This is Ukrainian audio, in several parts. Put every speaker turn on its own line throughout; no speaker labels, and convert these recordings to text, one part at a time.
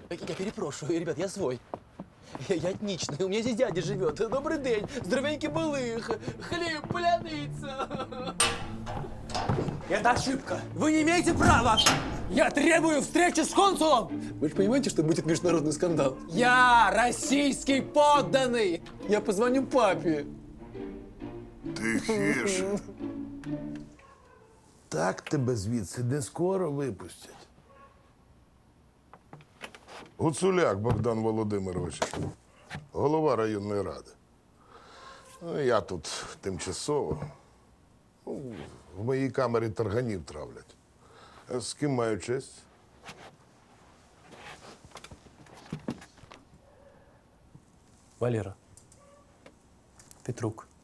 Я перепрошую, ребят, я свой. Я этничный, у меня здесь дядя живет. Добрый день, здоровенький балых, хлеб, пляница. Это ошибка. Вы не имеете права. Я требую встречи с консулом. Вы же понимаете, что будет международный скандал? Я российский подданный. Я позвоню папе.
Тихіше. Так тебе звідси не скоро випустять. Гуцуляк Богдан Володимирович, голова районної ради. Ну, я тут тимчасово. Ну, в моїй камері тарганів травлять. А з ким маю честь?
Валера. Петрук.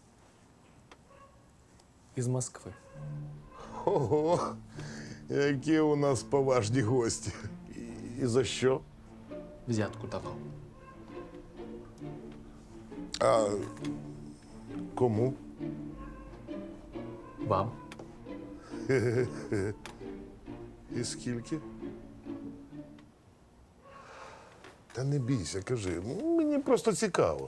Из Москвы.
Ого, які у нас поважні гості. І за що?
Взятку давал.
А кому?
Вам.
І скільки? Та не бійся, кажи. Мені просто цікаво.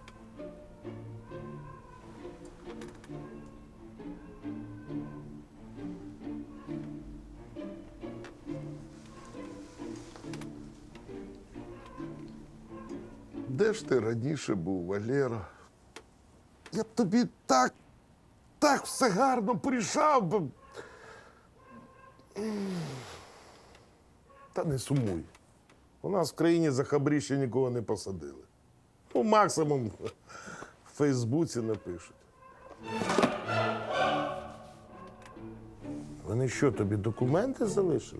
Де ж ти раніше був, Валера? Я б тобі так все гарно порішав би. Та не сумуй. У нас в країні за хабрі ще нікого не посадили. Ну, максимум в Фейсбуці напишуть. Вони що, тобі документи залишили?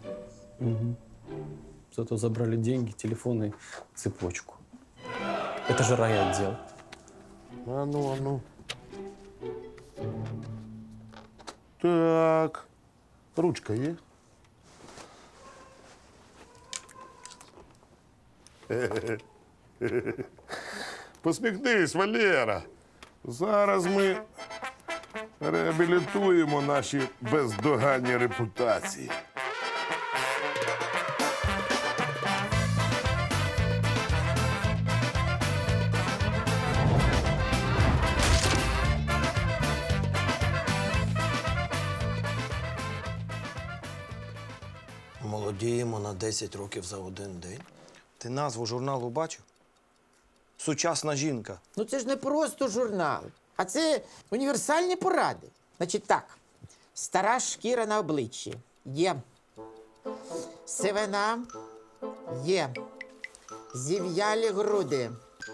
Зато забрали деньги, телефон и цепочку. Это же райотдел.
А ну, а ну. Так. Ручка є? Посміхнись, Валера. Зараз ми реабілітуємо наші бездоганні репутації.
Молодіємо на 10 років за один день. Ти назву журналу бачив? Сучасна жінка.
Ну це ж не просто журнал, а це універсальні поради. Значить так, стара шкіра на обличчі є. Сивина є. Зів'ялі груди.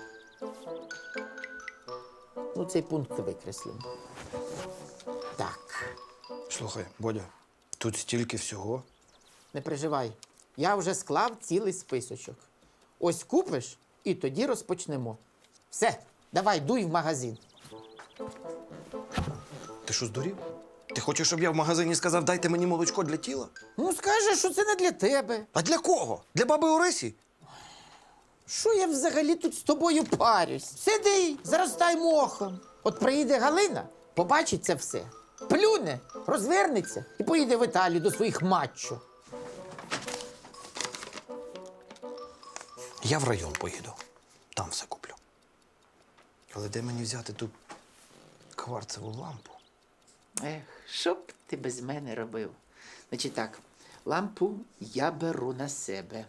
Ну, цей пункт викреслимо. Так,
Слухай, Бодя, тут стільки всього.
не переживай. Я вже склав цілий списочок. Ось купиш і тоді розпочнемо. Все, давай, дуй в магазин.
Ти що, здурів? Ти хочеш, щоб я в магазині сказав, дайте мені молочко для тіла?
Ну, скажеш, що це не для тебе.
А для кого? Для баби Орисі?
Що я взагалі тут з тобою парюсь? Сиди, заростай мохом. От приїде Галина, побачить це все. Плюне, розвернеться і поїде в Італію до своїх маччо.
Я в район поїду. Там все куплю. Але де мені взяти ту кварцеву лампу?
Ех, що б ти без мене робив? Значить так, лампу я беру на себе.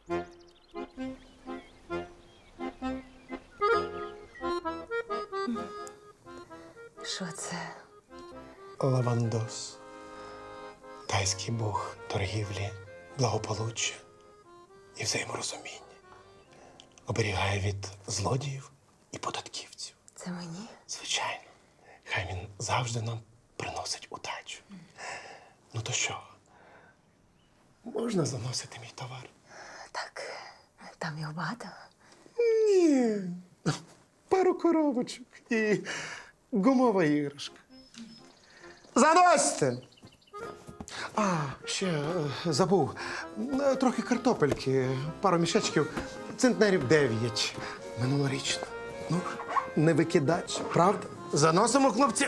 Що це?
Лавандос. Тайський бог торгівлі, благополуччя і взаєморозуміння. Оберігає від злодіїв і податківців.
Це мені?
Звичайно. Хай він завжди нам приносить удачу. Ну то що? Можна заносити мій товар?
Так, там його багато.
Ні. Пару коробочок і гумова іграшка. Заносьте! А, ще забув. Трохи картопельки, пару мішечків, центнерів 9. Минулорічно. Ну, не викидач, правда? Заносимо, хлопці.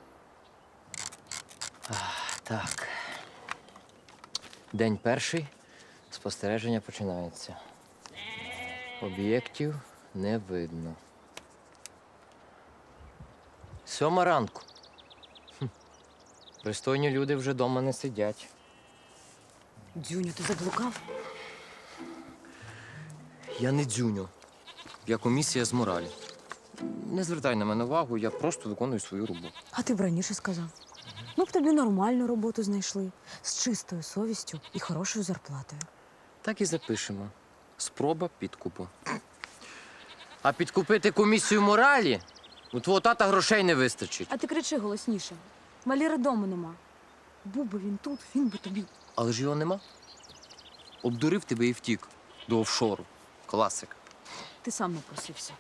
Так. День перший. Спостереження починається. Об'єктів не видно. 7 ранку. Пристойні люди вже вдома не сидять.
Дзюню, ти заблукав?
Я не дзюню. Я комісія з моралі. Не звертай на мене увагу, я просто виконую свою роботу.
А ти б раніше сказав. Ми б тобі нормальну роботу знайшли з чистою совістю і хорошою зарплатою.
Так і запишемо. Спроба підкупу. А підкупити комісію моралі? У твого тата грошей не вистачить.
А ти кричи голосніше. Валіри дому нема. Був би він тут, він би тобі.
Але ж його нема. Обдурив тебе і втік до офшору. Класика.
Ти сам напросився.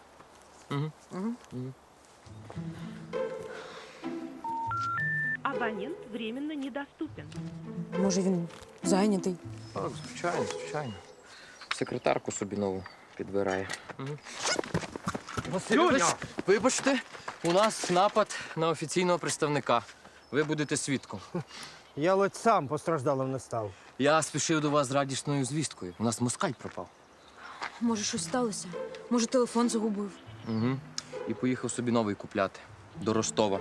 Абонент временно недоступен.
Може, він зайнятий.
Так, звичайно, звичайно. Секретарку собі нову підбирає. Васильович, вибачте, у нас напад на офіційного представника. Ви будете свідком.
Я ледь сам постраждалим не став.
Я спішив до вас з радісною звісткою. У нас москаль пропав.
Може, щось сталося? Може, телефон загубив?
Угу. І поїхав собі новий купляти. До Ростова.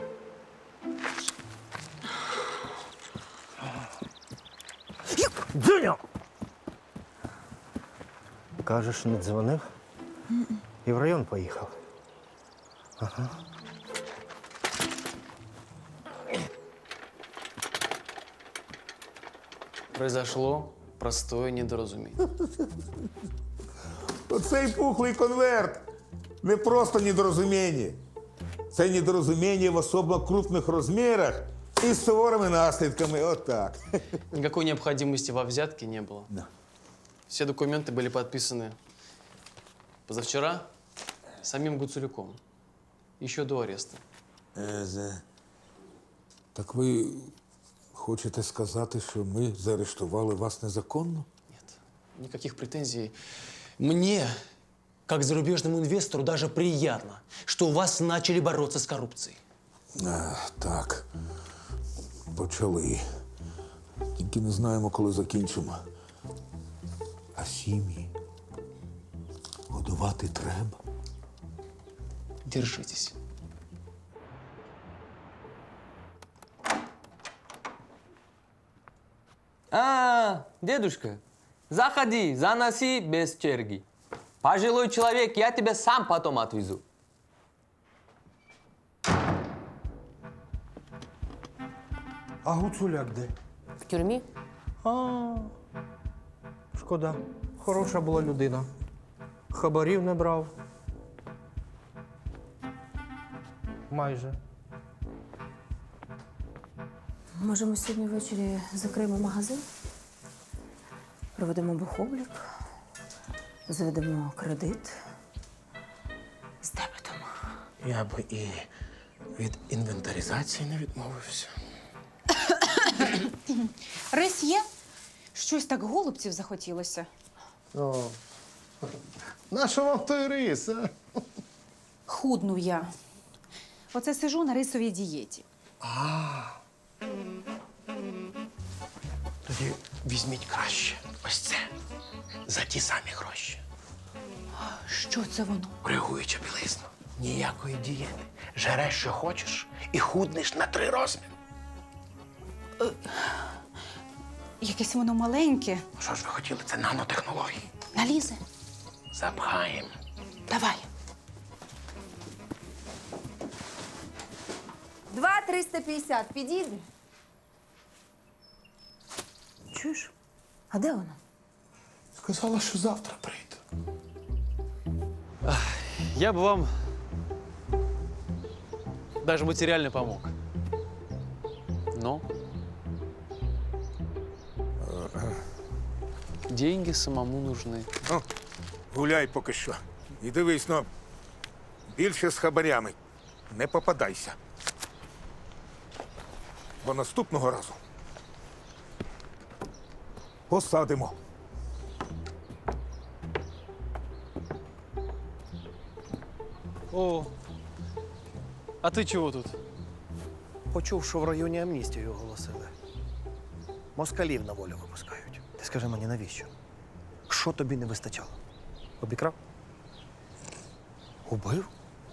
Дзюню! Кажеш, не дзвонив? І в район поїхав. Ага.
Произошло простое недоразумение.
Оцей пухлий конверт не просто недорозуміння. Це недорозуміння в особо крупних розмірах і з суворими наслідками. Отак.
Никакой необходимости во взятке не было.
Да.
Все документы были подписаны позавчера самим Гуцулюком. Еще до ареста.
Так ви хочете сказати, що ми заарештували вас незаконно?
Нет, никаких претензий. Мне, как зарубежному инвестору, даже приятно, что у вас начали бороться с коррупцией.
Так, почали. Тільки не знаємо, коли закінчимо. А сім'ї годувати треба.
Держитесь.
Дедушка, заходи, заноси без черги. Пожилой человек, я тебя сам потом отвезу.
А Гуцуляк де?
В тюрмі?
Шкода. Хороша була людина. Хабарів не брав. Майже.
Може, ми сьогодні ввечері закриємо магазин? Проведемо бухоблік, заведемо кредит з дебетом.
Я би і від інвентаризації не відмовився.
Рис є? Щось так голубців захотілося.
Нащо вам той рис, а?
Худну я. Оце сижу на рисовій дієті.
Тоді візьміть краще. Ось це. За ті самі гроші.
Що це воно?
Реагуюча білизна. Ніякої дієти. Жереш, що хочеш, і худнеш на 3 розміри.
Якесь воно маленьке.
Що ж ви хотіли? Це нанотехнології.
Налізе?
Запхаємо.
Давай.
2,350 підійде?
Чуєш? А де вона?
Сказала, що завтра прийде.
Я бы вам даже материально помог. Но деньги самому нужны.
Ну, гуляй поки що. І дивись, ну, більше з хабарями. Не попадайся. Бо наступного разу посадимо.
О, а ты чего тут?
Почув, що в районі амністію оголосили. Москалів на волю випускають.
Ти скажи мені, навіщо? Що тобі не вистачало? Обікрав? Убив?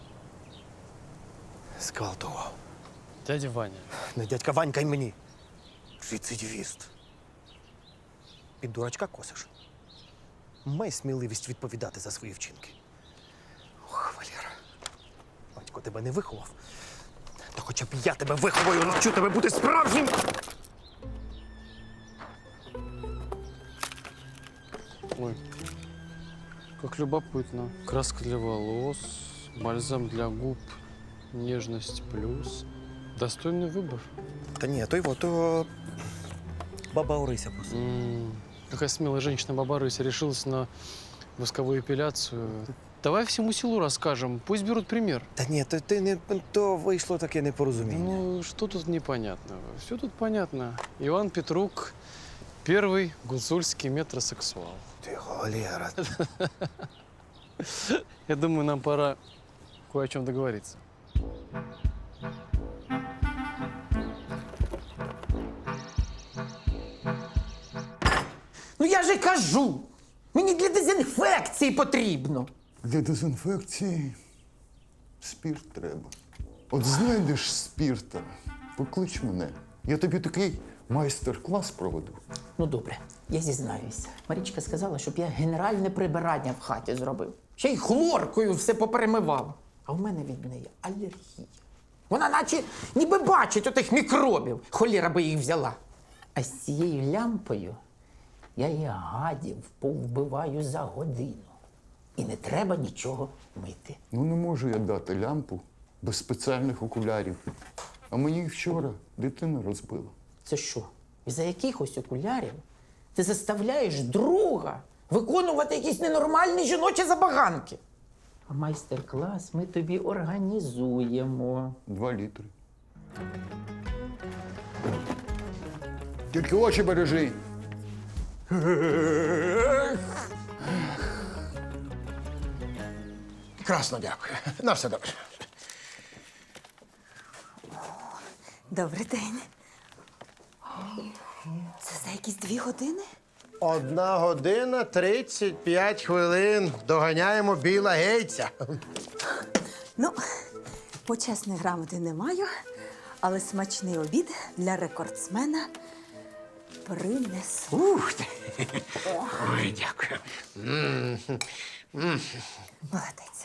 Зґвалтував.
Дядя Ваня.
Не дядька Ванька й мені. Рецидивіст. Під дурачка косиш. Май сміливість відповідати за свої вчинки. Ох, Валера. Батько тебе не виховав. То хоча б я тебе виховаю, навчу тебе бути справжнім.
Ой, как любопытно. Краска для волос, бальзам для губ, нежность плюс. Достойный выбор.
Та ні, то баба Орися просто.
Какая смелая женщина баба Рыся решилась на восковую эпиляцию. Давай всему селу расскажем, пусть берут пример.
Та ні, то вийшло таке непорозуміння.
Ну, что тут непонятного? Все тут понятно. Иван Петрук – первый гуцульский метросексуал.
Ти, Валера.
Я думаю, нам пора кое о чем договориться.
Ну я же кажу, мені для дезінфекції потрібно.
Для дезінфекції спірт треба. От знайдеш спірта, поклич мене. Я тобі такий майстер-клас проведу.
Ну добре, я зізнаюся. Марічка сказала, щоб я генеральне прибирання в хаті зробив. Ще й хлоркою все поперемивав. А в мене від неї алергія. Вона наче ніби бачить отих мікробів. Холєра би їх взяла. А з цією лямпою я і гадів повбиваю за годину. І не треба нічого мити.
Ну не можу я дати лямпу без спеціальних окулярів. А мені вчора дитина розбила.
Це що? Із-за якихось окулярів ти заставляєш друга виконувати якісь ненормальні жіночі забаганки. А майстер-клас ми тобі організуємо.
2 літри. Тільки очі бережи.
Красно дякую. На все добре.
Добрий день. Це за якісь 2 години?
1 година 35 хвилин. Доганяємо Біла Гейтса.
Ну, почесної грамоти не маю, але смачний обід для рекордсмена принесу.
Ух ти. Ой, дякую.
Молодець.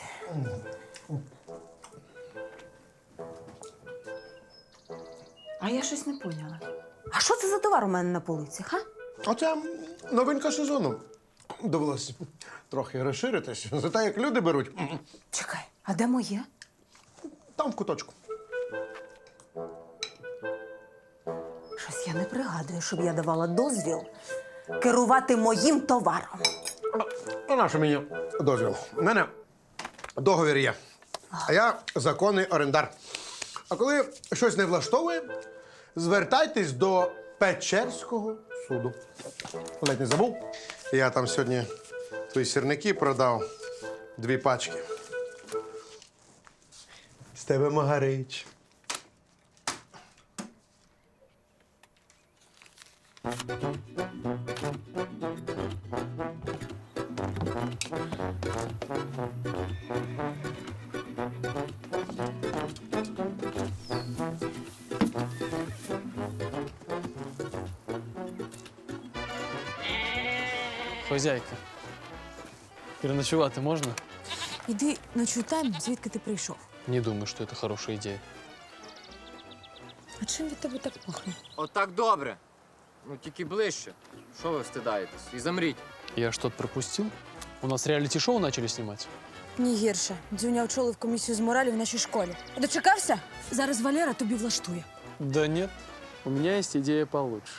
А я щось не поняла. А що це за товар у мене на полицях, а?
Оце новинка сезону. Довелося трохи розширитись. За те, як люди беруть.
Чекай, а де моє?
Там в куточку.
Щось я не пригадую, щоб я давала дозвіл керувати моїм товаром.
А на що мені дозвіл? У мене договір є. А я законний орендар. А коли щось не влаштовує, звертайтесь до Печерського суду. Ледь не забув. Я там сьогодні твої сірники продав 2 пачки. З тебе Магарич.
Хозяйка, переночевать можно?
Іди ночуй там, звідки ти прийшов.
Не думаю, что это хорошая идея.
А чим від тебе так пахне?
Отак добре. Ну, тільки ближче. Що ви встидаєтесь? І замріть.
Я что-то пропустил? У нас реалити-шоу начали снимать?
Ні гірше. Дзюня очолив комісію з моралі в нашій школі. Дочекався? Зараз Валера тобі влаштує.
Да нет, у меня есть идея получше.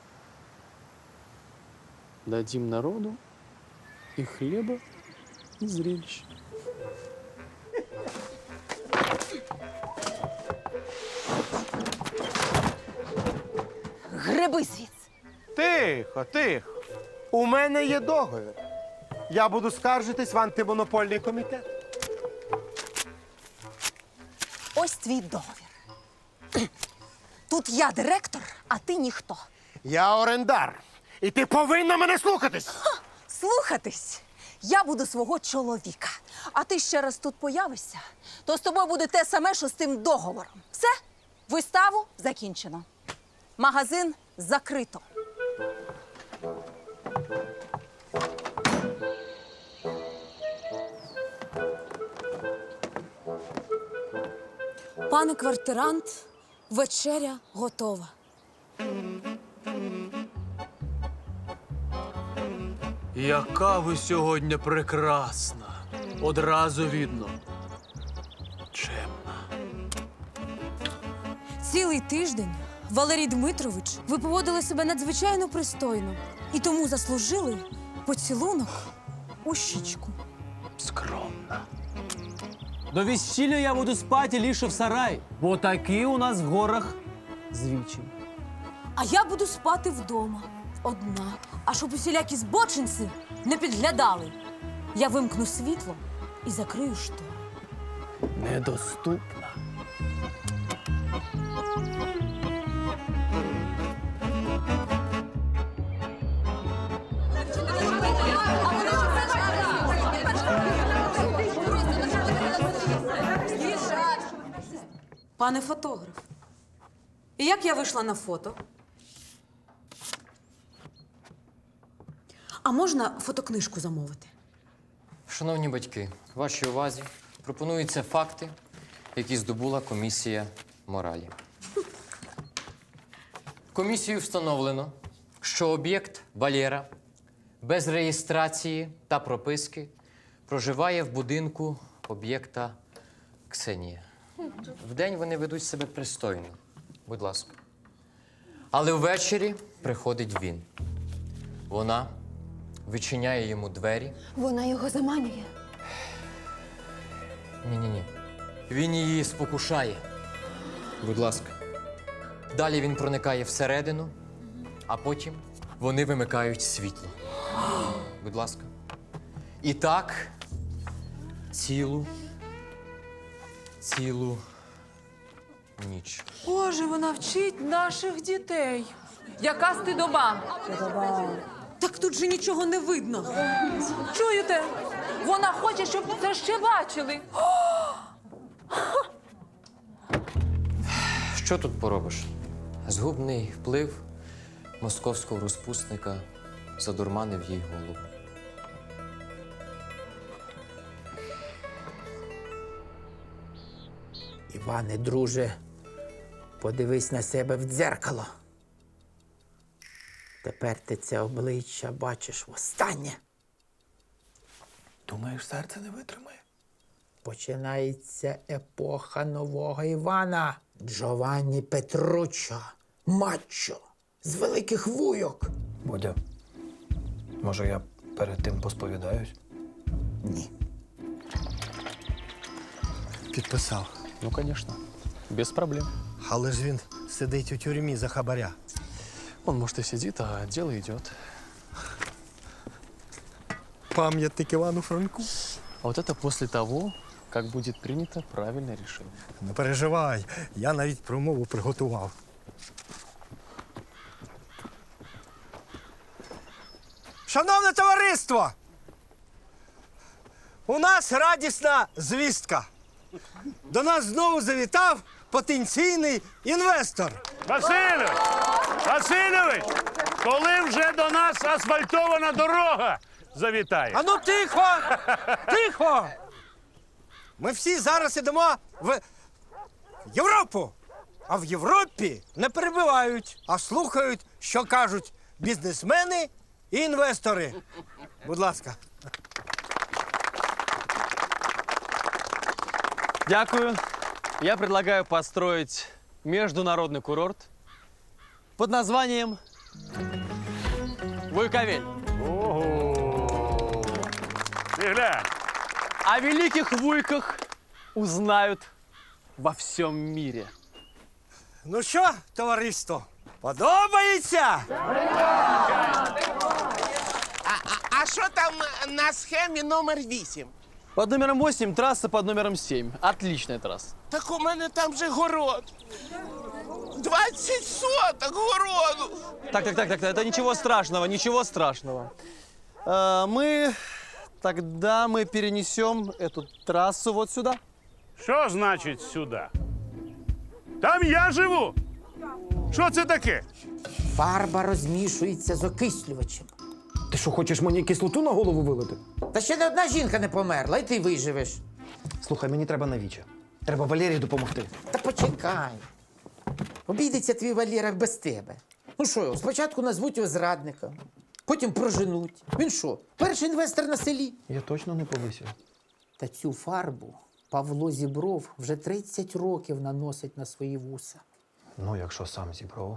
Дадим народу и хлеба, и зрелищ.
Гриби звідси.
Тихо, тихо. У мене є договір. Я буду скаржитись в антимонопольний комітет.
Ось твій договір. Тут я директор, а ти ніхто.
Я орендар. І ти повинна мене слухатись!
Слухатись, я буду свого чоловіка. А ти ще раз тут появишся, то з тобою буде те саме, що з тим договором. Все, виставу закінчено. Магазин закрито. Пане квартирант, вечеря готова.
Яка ви сьогодні прекрасна. Одразу видно. Чемна.
Цілий тиждень, Валерій Дмитрович, ви поводили себе надзвичайно пристойно і тому заслужили поцілунок у щічку.
Скромна. До весілля я буду спати лише в сараї, бо такі у нас в горах звичаї.
А я буду спати вдома, одна. А щоб усілякі збочинці не підглядали, я вимкну світло і закрию штори.
Недоступна.
Пане фотограф, і як я вийшла на фото? А можна фотокнижку замовити?
Шановні батьки, вашій увазі пропонуються факти, які здобула комісія моралі. Комісією встановлено, що об'єкт Валера без реєстрації та прописки проживає в будинку об'єкта Ксенія. Вдень вони ведуть себе пристойно, будь ласка. Але ввечері приходить він. Вона відчиняє йому двері.
Вона його заманює.
Ні-ні-ні. Він її спокушає. Будь ласка. Далі він проникає всередину, а потім вони вимикають світло. Будь ласка. І так цілу ніч.
Боже, вона вчить наших дітей. Яка стидоба? Так тут же нічого не видно. Чуєте? Вона хоче, щоб це ще бачили.
Що тут поробиш? Згубний вплив московського розпусника задурманив їй голову.
Іване, друже, подивись на себе в дзеркало. Тепер ти це обличчя бачиш востаннє.
Думаєш, серце не витримає?
Починається епоха нового Івана. Джованні Петруччо, мачо, з великих вуйок.
Бодя, може я перед тим посповідаюсь?
Ні.
Підписав.
Ну, звісно. Без проблем.
Але ж він сидить у тюрмі за хабаря.
Он, может, и сидит, а дело идет.
Пам'ятник Івану Франку.
А вот это после того, как будет принято правильное решение.
Не переживай, я навіть промову приготував. Шановне товариство! У нас радісна звістка. До нас знову завітав потенційний інвестор.
Васильович! Васильович! Коли вже до нас асфальтована дорога завітає?
Ану тихо! Тихо! Ми всі зараз ідемо в Європу. А в Європі не перебивають, а слухають, що кажуть бізнесмени і інвестори. Будь ласка.
Дякую. Я предлагаю построить международный курорт под названием Вуйковель.
Ого! Ти глянь!
О великих вуйках узнают во всем мире.
Ну що, товариство, подобається?
А що там на схемі номер 8?
Под номером 8 трасса под номером 7. Отличная трасса.
Так у мене там же город. 20 соток городу.
Так, это ничего страшного. Мы тогда перенесем эту трассу вот сюда.
Що значить сюди? Там я живу. Що це таке?
Фарба розмішується з окислювачем.
Ти що, хочеш мені кислоту на голову вилити?
Та ще не одна жінка не померла, і ти виживеш.
Слухай, мені треба на віче. Треба Валерії допомогти.
Та почекай. Обійдеться твій Валєра без тебе. Ну що, спочатку назвуть його зрадником, потім проженуть. Він що, перший інвестор на селі?
Я точно не повисів.
Та цю фарбу Павло Зібров вже 30 років наносить на свої вуса.
Ну, якщо сам зібрав.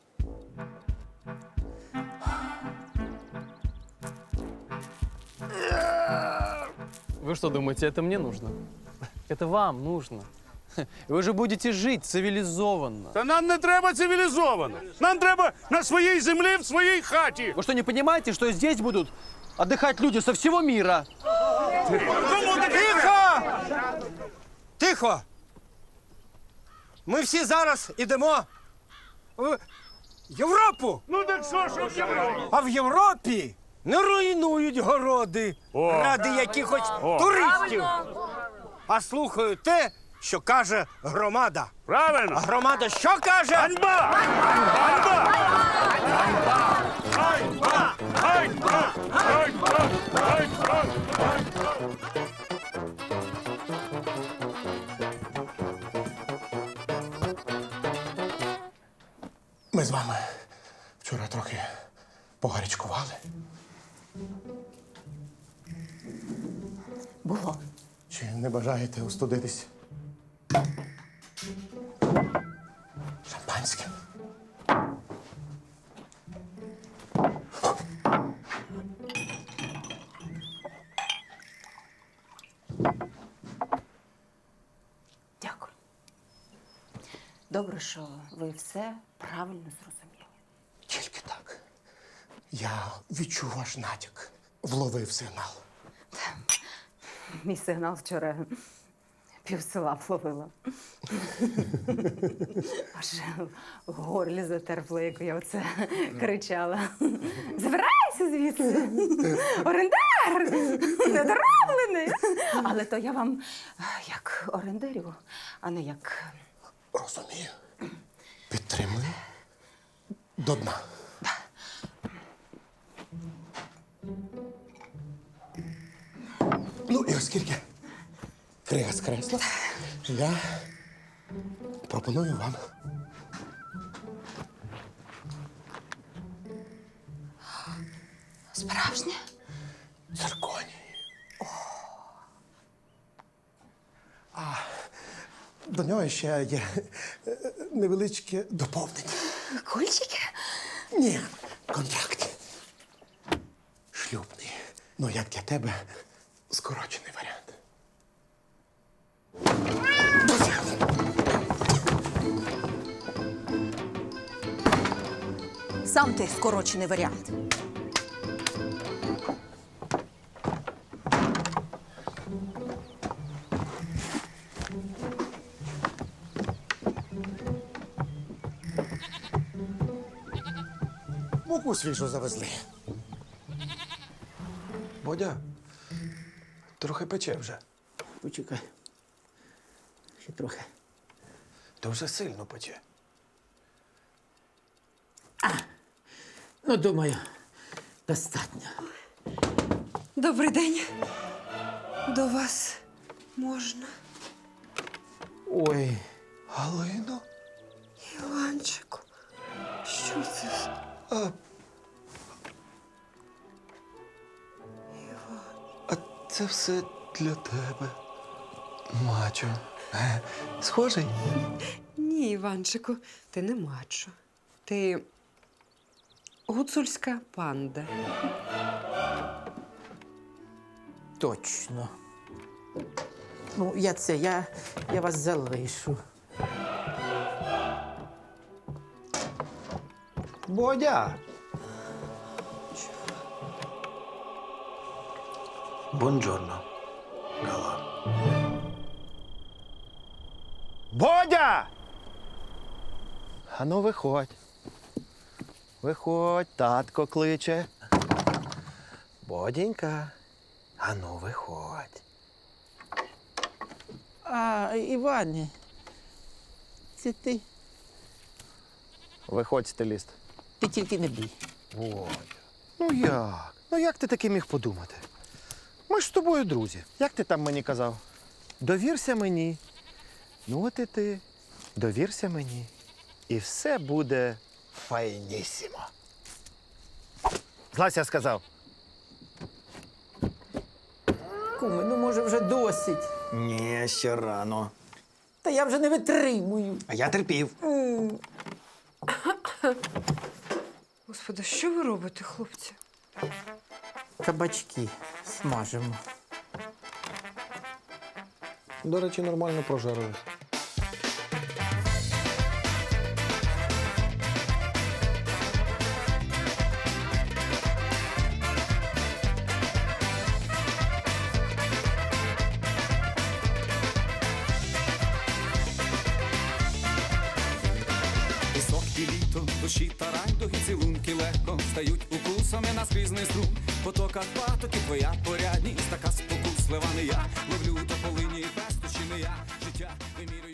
Вы что думаете, это мне нужно? Это вам нужно. Вы же будете жить цивилизованно.
Та нам не треба цивілізовано. Нам треба на своїй землі, в своїй хаті.
Вы что, не понимаете, что здесь будут отдыхать люди со всего мира?
Тихо! Тихо! Ми всі зараз ідемо в Європу!
Ну так що в Європі?
А в Європі не руйнують городи ради якихось туристів, а слухають те, що каже громада.
Правильно.
А громада що каже?
Ганьба! Ганьба! Ганьба! Ганьба! Ганьба! Ганьба!
Ми з вами вчора трохи погарячкували.
Було.
Чи не бажаєте остудитись? Шампанським.
Дякую. Добре, що ви все правильно зрозуміли.
Тільки так. Я відчув ваш натяк. Вловив сигнал.
Мій сигнал вчора півсела вловила. Аж в горлі затерпло, як я оце кричала. Забирайся звідси! Орендар! Недороблений! Але то я вам як орендарю, а не як...
Розумію. Підтримую. До дна. Ну, і оскільки крига скресла, я пропоную вам
Справжнє?
цирконій. А до нього ще є невеличке доповнення.
Кульчики?
Ні, контракт. Шлюбний. Ну, як для тебе, скорочений варіант.
Сам ти скорочений варіант.
Муку свіжу завезли. Бодя, трохи пече вже.
Почекай. Ще трохи.
То вже сильно пече.
Ну, думаю, достатньо.
Добрий день. До вас можна?
Ой, Галино.
Іванчику, що це?
А це все для тебе, мачо. Схожий?
Ні, Іванчику, ти не мачо. Ти гуцульська панда.
Точно. Ну, я вас залишу.
Бодя. Бонджорно, Гала.
Бодя!
Ану, виходь. Виходь, татко кличе. Бодінька. Ану, виходь.
А, Іване, це ти?
Виходь, стиліст.
Ти тільки не бій.
Бодя. Ну як? Ну як ти таки міг подумати? Ми ж з тобою друзі. Як ти там мені казав? Довірся мені. Ну от і ти. Довірся мені. І все буде файнісімо. Злазь, я сказав.
Куме, ну може вже досить.
Ні, ще рано.
Та я вже не витримую.
А я терпів.
Господи, що ви робите, хлопці?
Кабачки смажимо.
До речі, нормально прожарились.
Пісок і літо, душі та райдуги, цілунки легко стають укусами на скрізний струм. В потоках патоки твоя порядність, така спокуслива не я. Ловлю тополині, пестощі не я, життя вимірюю.